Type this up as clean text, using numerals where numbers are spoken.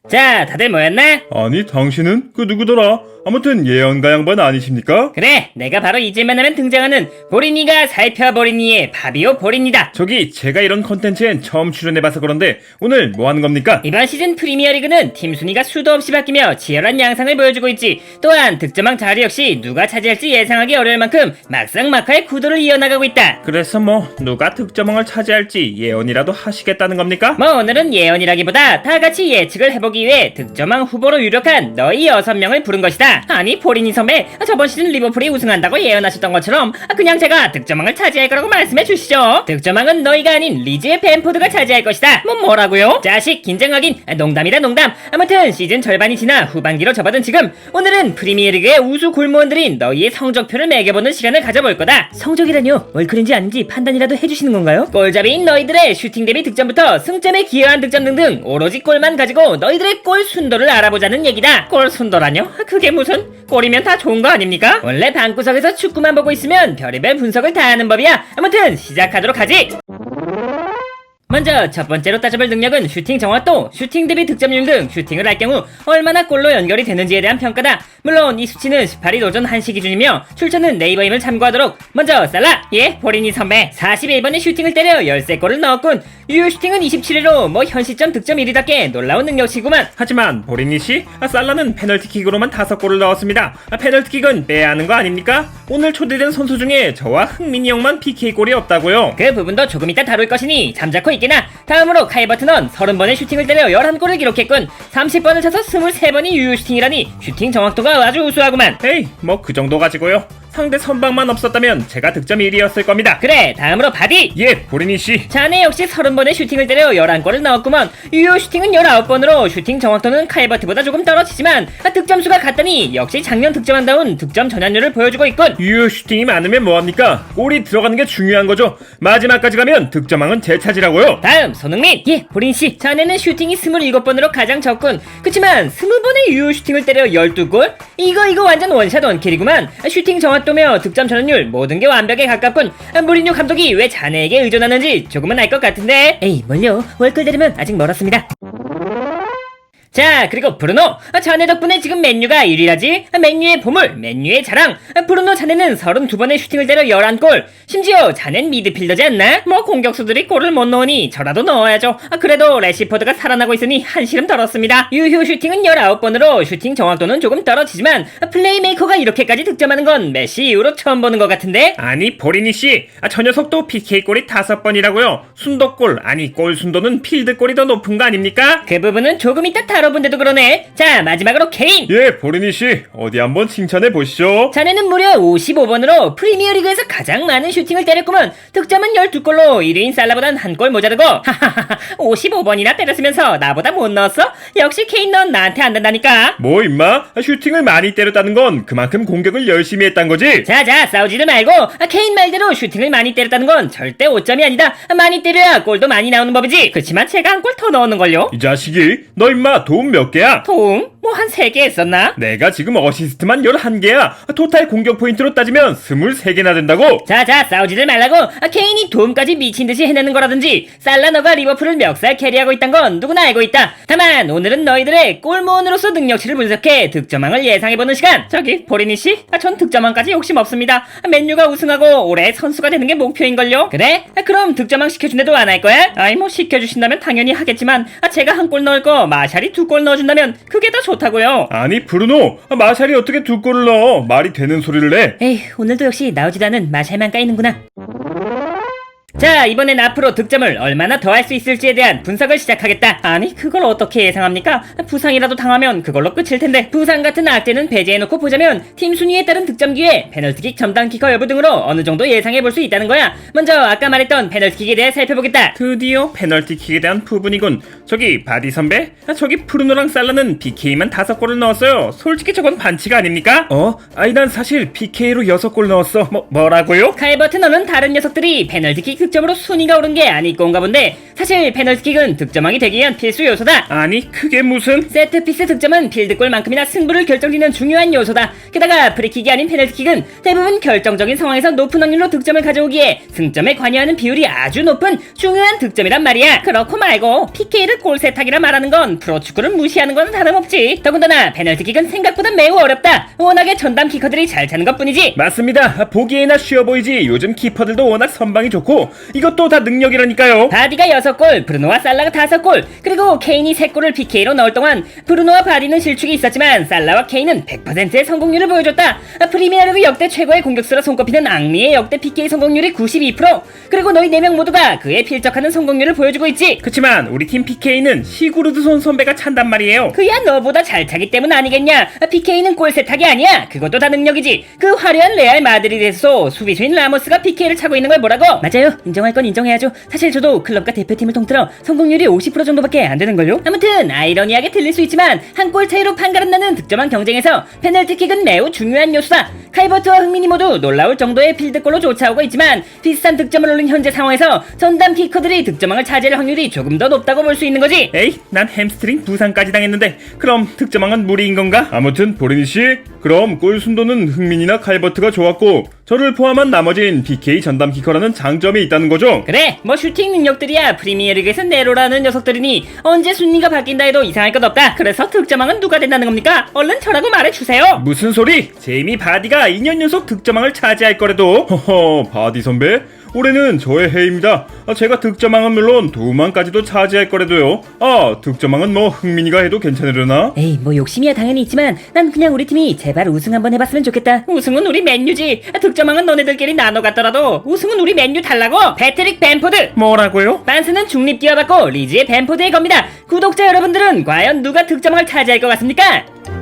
자, 다들 모였나? 아니, 당신은 그 누구더라? 아무튼 예언가 양반 아니십니까? 그래, 내가 바로 잊을만 하면 등장하는 보리니가 살펴보리니의 파비오 보리니다. 저기 제가 이런 컨텐츠엔 처음 출연해봐서 그런데 오늘 뭐 하는 겁니까? 이번 시즌 프리미어리그는 팀 순위가 수도 없이 바뀌며 치열한 양상을 보여주고 있지. 또한 득점왕 자리 역시 누가 차지할지 예상하기 어려울 만큼 막상막하의 구도를 이어나가고 있다. 그래서 뭐 누가 득점왕을 차지할지 예언이라도 하시겠다는 겁니까? 뭐 오늘은 예언이라기보다 다같이 예측을 해보기 위해 득점왕 후보로 유력한 너희 6명을 부른 것이다. 아니 보리니 선배, 저번 시즌 리버풀이 우승한다고 예언하셨던 것처럼 그냥 제가 득점왕을 차지할 거라고 말씀해 주시죠. 득점왕은 너희가 아닌 리즈의 벤포드가 차지할 것이다. 뭐라고요? 자식 긴장 확인. 농담이다 농담. 아무튼 시즌 절반이 지나 후반기로 접어든 지금 오늘은 프리미어리그의 우수 골무원들인 너희의 성적표를 매겨보는 시간을 가져볼 거다. 성적이라뇨? 월클인지 아닌지 판단이라도 해주시는 건가요? 골잡이인 너희들의 슈팅 대비 득점부터 승점에 기여한 득점 등등 오로지 골만 가지고 너희들의 골 순도를 알아보자는 얘기다. 골 순도라뇨? 그게 무슨 골이면 다 좋은 거 아닙니까? 원래 방구석에서 축구만 보고 있으면 별의별 분석을 다 하는 법이야. 아무튼 시작하도록 하지. 먼저 첫 번째로 따져볼 능력은 슈팅 정확도, 슈팅 대비 득점률 등 슈팅을 할 경우 얼마나 골로 연결이 되는지에 대한 평가다. 물론 이 수치는 18일 오전 1시 기준이며 출처는 네이버임을 참고하도록. 먼저 살라! 예, 보리니 선배 41번의 슈팅을 때려 13골을 넣었군. 유효 슈팅은 27회로 뭐 현 시점 득점 1위답게 놀라운 능력치구만. 하지만 보리니씨, 살라는 페널티킥으로만 5골을 넣었습니다. 페널티킥은 빼야 하는 거 아닙니까? 오늘 초대된 선수 중에 저와 흥민이 형만 PK골이 없다고요. 그 부분도 조금 이따 다룰 것이니 잠자코 있게나. 다음으로 카이 버튼은 30번의 슈팅을 때려 11골을 기록했군. 30번을 차서 23번이 유효 슈팅이라니 슈팅 정확도가 아주 우수하구만. 에이, 뭐 그 정도 가지고요. 상대 선방만 없었다면 제가 득점 1위였을 겁니다. 그래, 다음으로 바디! 예, 보리니씨. 자네 역시 30번의 슈팅을 때려 11골을 넣었구먼. 유효 슈팅은 19번으로 슈팅 정확도는 카이버트보다 조금 떨어지지만 득점수가 같다니 역시 작년 득점한다운 득점 전환율을 보여주고 있군. 유효 슈팅이 많으면 뭐합니까? 골이 들어가는 게 중요한 거죠. 마지막까지 가면 득점왕은 제 차지라고요. 다음 손흥민! 예, 보린씨, 자네는 슈팅이 27번으로 가장 적군. 그치만 20번의 유효 슈팅을 때려 12골? 이거 완전 원샷 원킬이구만. 슈팅 정확도며 득점 전환율 모든 게 완벽에 가깝군. 무리뉴 감독이 왜 자네에게 의존하는지 조금은 알 것 같은데. 에이 뭘요, 월클 되려면 아직 멀었습니다. 자, 그리고 브루노! 자네 덕분에 지금 맨유가 1위라지? 맨유의 보물, 맨유의 자랑! 브루노 자네는 32번의 슈팅을 때려 11골! 심지어 자넨 미드필더지 않나? 뭐 공격수들이 골을 못 넣으니 저라도 넣어야죠. 그래도 래시포드가 살아나고 있으니 한시름 덜었습니다. 유효 슈팅은 19번으로 슈팅 정확도는 조금 떨어지지만 플레이메이커가 이렇게까지 득점하는 건 메시 이후로 처음 보는 것 같은데? 아니 보리니씨, 저 녀석도 PK골이 5번이라고요. 순도골, 아니 골 순도는 필드골이 더 높은 거 아닙니까? 그 부분은 조금 이따 다뤄본데도 그러네. 자, 마지막으로 케인! 예, 보리니씨, 어디 한번 칭찬해 보시죠. 자네는 무려 55번으로 프리미어리그에서 가장 많은 슈팅을 때렸구먼. 득점은 12골로 1위인 살라보단 한 골 모자르고. 하하하하, 55번이나 때렸으면서 나보다 못 넣었어? 역시 케인, 넌 나한테 안 된다니까. 뭐 임마, 슈팅을 많이 때렸다는 건 그만큼 공격을 열심히 했단 거지. 자자, 싸우지도 말고. 케인 말대로 슈팅을 많이 때렸다는 건 절대 오점이 아니다. 많이 때려야 골도 많이 나오는 법이지. 그치만 제가 한 골 더 넣었는걸요. 이 자식이, 너 임마 도움 몇 개야? 도움? 뭐 한 3개 했었나? 내가 지금 어시스트만 11개야. 토탈 공격 포인트로 따지면 23개나 된다고. 자자, 싸우지들 말라고. 케인이 도움까지 미친듯이 해내는 거라든지 살라 너가 리버풀을 멱살 캐리하고 있단 건 누구나 알고 있다. 다만 오늘은 너희들의 골모원으로서 능력치를 분석해 득점왕을 예상해보는 시간. 저기 보리니씨, 전 득점왕까지 욕심 없습니다. 맨유가 우승하고 올해 선수가 되는 게 목표인걸요. 그래? 그럼 득점왕 시켜준대도 안 할 거야? 아이 뭐 시켜주신다면 당연히 하겠지만 제가 한 골 넣을 거 마샬이 2골 넣어준다면 그게 더 좋다고요. 아니 브루노, 마샬이 어떻게 2골을 넣어? 말이 되는 소리를 내. 에이, 오늘도 역시 나오지도 않은 마샬만 까이는구나. 자, 이번엔 앞으로 득점을 얼마나 더 할 수 있을지에 대한 분석을 시작하겠다. 아니, 그걸 어떻게 예상합니까? 부상이라도 당하면 그걸로 끝일 텐데. 부상 같은 악재는 배제해놓고 보자면 팀 순위에 따른 득점 기회, 페널티킥 점당 키커 여부 등으로 어느 정도 예상해볼 수 있다는 거야. 먼저 아까 말했던 페널티킥에 대해 살펴보겠다. 드디어 페널티킥에 대한 부분이군. 저기 바디 선배, 저기 브루노랑 살라는 PK만 5골을 넣었어요. 솔직히 저건 반칙 아닙니까? 아니 난 사실 PK로 6골 넣었어. 뭐라고요? 칼버트 너는 다른 녀석들이 페널티킥 득점으로 순위가 오른 게 아니건가 본데, 사실 페널티킥은 득점왕이 되기 위한 필수 요소다. 아니 그게 무슨? 세트피스 득점은 필드골만큼이나 승부를 결정짓는 중요한 요소다. 게다가 프리킥이 아닌 페널티킥은 대부분 결정적인 상황에서 높은 확률로 득점을 가져오기에 승점에 관여하는 비율이 아주 높은 중요한 득점이란 말이야. 그렇고 말고 PK를 페널티킥을 골 세탁이라 말하는 건 프로축구를 무시하는 건 다름없지. 더군다나 페널티킥은 생각보다 매우 어렵다. 워낙에 전담 키커들이 잘 차는 것뿐이지. 맞습니다. 보기에나 쉬워 보이지 요즘 키퍼들도 워낙 선방이 좋고 이것도 다 능력이라니까요. 바디가 6골, 브루노와 살라가 5골, 그리고 케인이 3골을 PK로 넣을 동안 브루노와 바디는 실축이 있었지만 살라와 케인은 100%의 성공률을 보여줬다. 프리미어리그 역대 최고의 공격수로 손꼽히는 앙리의 역대 PK 성공률이 92%, 그리고 너희 4명 모두가 그에 필적하는 성공률을 보여주고 있지. 그치만 우리 팀 PK는 시구르드손 선배가 찬단 말이에요. 그야 너보다 잘 차기 때문 아니겠냐. PK는 골 세탁이 아니야. 그것도 다 능력이지. 그 화려한 레알 마드리드에서 수비수인 라모스가 PK를 차고 있는 걸 뭐라고? 맞아요. 인정할 건 인정해야죠. 사실 저도 클럽과 대표팀을 통틀어 성공률이 50% 정도밖에 안 되는걸요. 아무튼 아이러니하게 들릴 수 있지만 한 골 차이로 판가름 나는 득점왕 경쟁에서 페널티킥은 매우 중요한 요소다. 칼버트와 흥민이 모두 놀라울 정도의 필드골로 쫓아오고 있지만 비슷한 득점을 올린 현재 상황에서 전담 키커들이 득점왕을 차지할 확률이 조금 더 높다고 볼 수 있는 거지. 에이, 난 햄스트링 부상까지 당했는데 그럼 득점왕은 무리인 건가? 아무튼 보리니씨, 그럼 골 순도는 흥민이나 칼버트가 좋았고 저를 포함한 나머진 PK 전담 키커라는 장점이 있다는 거죠? 그래, 뭐 슈팅 능력들이야 프리미어리그에서 네로라는 녀석들이니 언제 순위가 바뀐다 해도 이상할 것 없다. 그래서 득점왕은 누가 된다는 겁니까? 얼른 저라고 말해주세요. 무슨 소리? 제이미 바디가 2년 연속 득점왕을 차지할 거래도. 허허, 바디 선배? 올해는 저의 해입니다. 제가 득점왕은 물론 도움왕까지도 차지할 거래도요. 득점왕은 뭐 흥민이가 해도 괜찮으려나? 에이, 뭐 욕심이야 당연히 있지만 난 그냥 우리 팀이 제발 우승 한번 해봤으면 좋겠다. 우승은 우리 맨유지. 득점왕은 너네들끼리 나눠 갔더라도 우승은 우리 맨유 달라고. 패트릭 벤포드. 뭐라고요? 반스는 중립 기어받고 리즈의 벤포드의 겁니다. 구독자 여러분들은 과연 누가 득점왕을 차지할 것 같습니까?